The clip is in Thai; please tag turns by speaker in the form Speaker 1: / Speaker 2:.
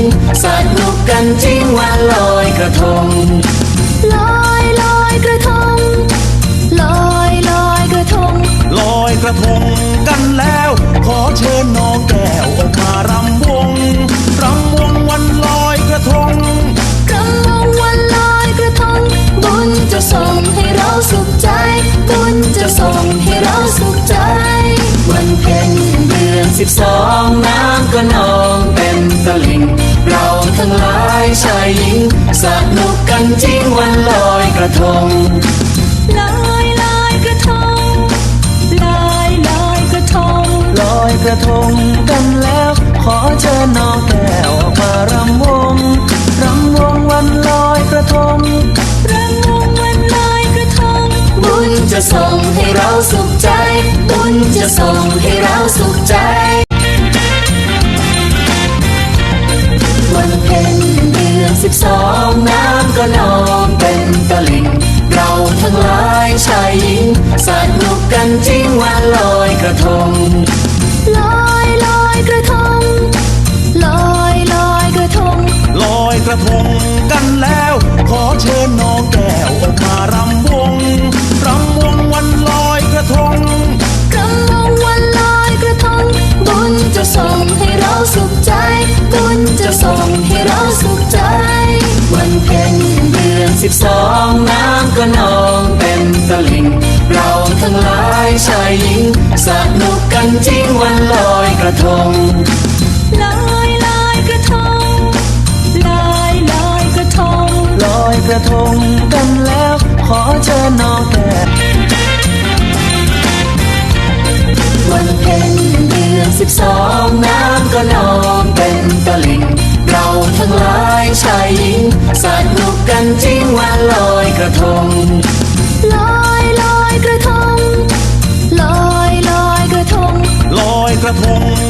Speaker 1: สนุกกันจริงวันลอยกระทง
Speaker 2: ลอยลอยกระทงลอยลอยกระทง
Speaker 3: ลอยกระทงกันแล้วขอเชิญน้องแก้วออกมารำวงวันลอยกระทง
Speaker 2: รำวงวันลอยกระทงบุญจะส่งให้เราสุขใจบุญจะส่งให้เราสุขใจ
Speaker 1: วันเพ็ญเดือน12น้ำก็นองเต็มตลิ่งเราทั้งหลายชายหญิงสนุกกันจริงวันลอยกระทง
Speaker 2: ลอยลอยกระทงลอยลอยกระทง
Speaker 1: ลอยกระทงกันแล้วขอเชิญน้องแก้วออกมารำวงวันลอยกระทง
Speaker 2: รำวงวันลอยกระทง
Speaker 1: บุญจะส่งให้เราสุขใจบุญจะส่งให้เราสุขใจวันเพ็ญเดือน12น้ำก็นองเต็มตลิ่งเราทั้งหลายชายหญิงสนุกกันจริงวันลอยกระทง
Speaker 2: ลอยลอยกระทงลอยลอยกระทง
Speaker 3: ลอยกระทงกันแล้วขอเชิญน้องแก้วออกมารำวงวันลอยกระทง
Speaker 2: รำวงวันลอยกระทงบุญจะส่งให้เราสุขใจบุญจะส่งให้เราสุขใจ
Speaker 1: วันเพ็ญเดือน12น้ำก็นองเต็มตลิ่งเราทั้งหลายชายหญิงสนุกกันจริงวันลอยกระทง
Speaker 2: ลอยลอยกระทงลอยลอยกระทง
Speaker 1: ลอยกระทงกันแล้วขอเชิญน้องแก้ววันเพ็ญเดือน12น้ำก็นองเต็มตลิ่งเราทั้งหลายชายหญิงสนุกกันจริงวันลอยกระทง
Speaker 2: ลอยลอยกระทงลอยลอยกระทง
Speaker 3: ลอยกระทง